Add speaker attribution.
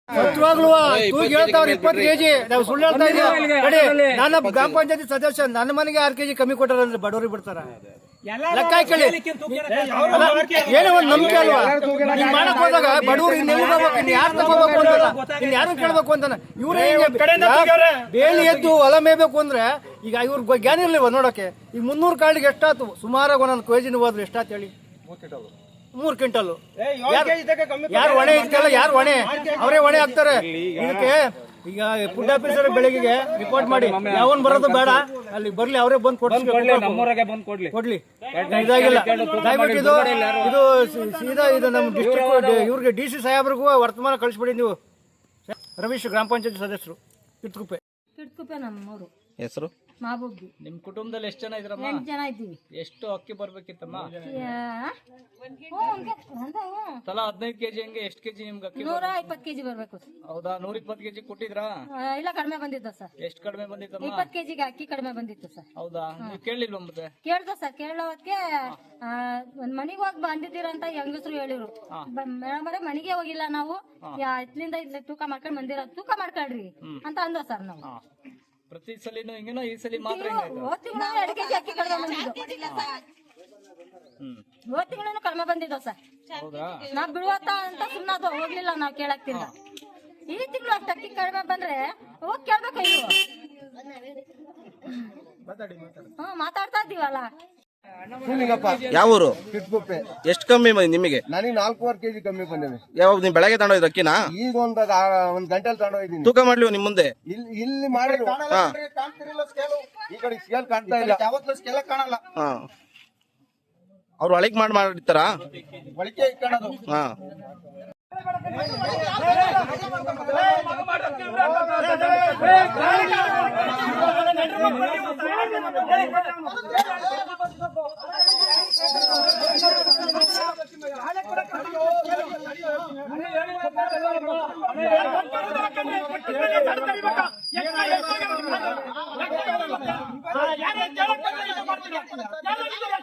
Speaker 1: ಸತ್ವಾಗ್ಲೂ ತೂಗಿ ಹೇಳ್ತಾವ್ರ 20 ಕೆಜಿ ನಾವು ಸುಳ್ಳು ಹೇಳ್ತಾ ಇದೀವಿ. ನಾನು ಗ್ರಾಮ ಪಂಚಾಯತಿ ಸದಸ್ಯ, ನನ್ನ ಮನೆಗೆ 6 ಕೆಜಿ ಕಮ್ಮಿ ಕೊಟ್ಟಾರಂದ್ರೆ ಬಡವರಿಗೆ ಬಿಡ್ತಾರ? ಲೆಕ್ಕ ಹಾಕಿ ಏನೋ ಒಂದು ನಂಬಿಕೆ ಅಲ್ವಾ? ನೀನ್ ಮಾಡಕ್ ಹೋದಾಗ ಬಡವರು ಇನ್ ಯಾರು ತಗೋಬೇಕು ಅಂತ ಇನ್ ಯಾರು ಕೇಳ್ಬೇಕು ಅಂತಾನ. ಇವ್ರೇ ಬೇಲಿ ಎದ್ದು ಹೊಲ ಮೇಯ್ಬೇಕು ಅಂದ್ರೆ ಈಗ ಇವ್ರ ಜ್ಞಾನ ಇರ್ಲಿವ ನೋಡಕ್ಕೆ. ಈಗ 300 ಕಾಳಿಗೆ ಎಷ್ಟಾತು? ಸುಮಾರಾಗಿ ಒಂದೊಂದು ಕೆಜಿನ ಹೋದ್ರು ಎಷ್ಟಾತ್ ಹೇಳಿ? 3 ಕ್ವಿಂಟಲ್. ಯಾರು ಹೊಣೆ ಇರ್ತಲ್ಲ, ಯಾರು ಹೊಣೆ? ಅವರೇ ಹೊಣೆ ಹಾಕ್ತಾರೆ ಇದಕ್ಕೆ. ಈಗ ಫುಡ್ ಆಫೀಸರ್ ಬೆಳಗ್ಗೆ ರಿಪೋರ್ಟ್ ಮಾಡಿ ಯಾವನ್ ಬರೋದು ಬೇಡ, ಅಲ್ಲಿ ಬರ್ಲಿ, ಅವರೇ ಬಂದು ಕೊಡ್ಲಿ. ಇದಾಗಿಲ್ಲ ದಯವಿಟ್ಟು ಇದು ಸೀದಾ ಇದು ನಮ್ಮ ಡಿಸ್ಟ್ರಿಕ್ಟ್ ಇವ್ರಿಗೆ DC ಸಾಹೇಬ್ರಿಗೂ ವರ್ತಮಾನ ಕಳಿಸ್ಬಿಡಿ ನೀವು. ರವೀಶ್, ಗ್ರಾಮ ಪಂಚಾಯತಿ ಸದಸ್ಯರು, ಕಿಟ್ಕುಪ್ಪೆ ನಮ್ಮೂರು.
Speaker 2: ಹೆಸರು
Speaker 3: ಮಾಬುಬ್ಬಿ.
Speaker 4: ನಿಮ್ ಕುಟುಂಬದಲ್ಲಿ ಎಷ್ಟು ಜನ ಇದ್ರಮ್ಮ?
Speaker 3: 8 ಜನ ಇದ್ದೀವಿ.
Speaker 4: ಎಷ್ಟು ಅಕ್ಕಿ ಬರ್ಬೇಕಿತ್ತಮ್ಮ? ತಲಾ 15 ಕೆಜಿ ಹಂಗೆ ಎಷ್ಟು ಕೆಜಿ ನಿಮ್ಗೆ ಅಕ್ಕಿ?
Speaker 3: 120 ಕೆಜಿ ಬರ್ಬೇಕು.
Speaker 4: ಹೌದಾ? 120 ಕೆಜಿ ಕೊಟ್ಟಿದ್ರಾ?
Speaker 3: ಇಲ್ಲ, ಕಡಿಮೆ ಬಂದಿತ್ತು ಸರ್.
Speaker 4: ಎಷ್ಟು ಕಡಿಮೆ ಬಂದಿತ್ತಮ್ಮ?
Speaker 3: 20 ಕೆಜಿಗೆ ಅಕ್ಕಿ ಕಡಿಮೆ ಬಂದಿತ್ತು ಸರ್.
Speaker 4: ಹೌದಾ? ನೀವು ಕೇಳಲಿಲ್ವ ಮತ್ತೆ?
Speaker 3: ಕೇಳ್ದ ಸರ್. ಕೇಳೋದಕ್ಕೆ ಒಂದ್ ಮನಿಗೆ ಹೋಗಿ ಬಂದಿದ್ದೀರಂತ ಹೆಂಗಸರು ಹೇಳಿದ್ರು. ಮೇಡಮ್ ಮನೆಗೆ ಹೋಗಿಲ್ಲ ನಾವು, ಇತ್ಲಿಂದ ಇಲ್ಲಿ ತೂಕ ಮಾಡ್ಕೊಂಡ್ ಬಂದಿರೋ, ತೂಕ ಮಾಡ್ಕೊಳ್ರಿ ಅಂತ ಅಂದ ಸರ್. ನಾವು
Speaker 4: ಪ್ರತಿ ಸಲಿನೂ ಹಿಂಗೇನೋ ಈ ಸಲ ಮಾತ್ರ
Speaker 3: ಹೋದ್ ತಿಂಗಳು 2 ಕೆಜಿ ಅಕ್ಕಿ ಕಡಿಮೆ ಬಂದಿದ್ದು. ಹೋದ್ ತಿಂಗಳು ಕಡಿಮೆ ಬಂದಿದ್ದೋ ಸರ್. ನಾವ್ ಬಿಡುವತ್ತ ಅಂತ ಸುಮ್ಮನೆ ಹೋಗ್ಲಿಲ್ಲ ನಾವು ಕೇಳಕ್ತಿಲ್ಲ. ಈ ತಿಂಗಳು ಅಷ್ಟು ಅಕ್ಕಿ ಕಡಿಮೆ ಬಂದ್ರೆ ಹೋಗಿ ಕೇಳ್ಬೇಕು. ಮಾತಾಡ್ತಾ ಇದ್ದೀವಲ್ಲ.
Speaker 2: ಯಾವ ಊರು?
Speaker 5: ಕಿಟ್ಕುಪ್ಪೆ.
Speaker 2: ಎಷ್ಟು ಕಮ್ಮಿ ಬಂದಿ ನಿಮಗೆ?
Speaker 5: ನನಗೆ 4.5 ಕೆಜಿ ಕಮ್ಮಿ ಬಂದಿವೆ.
Speaker 2: ಯಾವಾಗ ನೀವು ಬೆಳಗ್ಗೆ ತಗೊಂಡೋಯ್ತು ಅಕ್ಕಿನ?
Speaker 5: ಈಗ ಒಂದ್ ಗಂಟೆಲ್ ತಗೊಂಡೋಗಿದ್ದೀನಿ.
Speaker 2: ತೂಕ ಮಾಡ್ಲಿ ನಿಮ್ ಮುಂದೆ?
Speaker 5: ಇಲ್ಲಿ ಮಾಡಿದ್ರು. ಈ ಕಡೆ ಸ್ಕೇಲ್ ಕಾಣ್ತಾ ಇಲ್ಲ, ಯಾವತ್ತೂ ಸ್ಕೇಲ್ ಕಾಣಲ್ಲ.
Speaker 2: ಅವ್ರು ಒಳಗ್ ಮಾಡಿರ್ತಾರ
Speaker 5: ಒಳಗೆ ಇಟ್ಕೊಳ್ಳೋದು.
Speaker 2: ಹಾ.
Speaker 1: ಯಾರು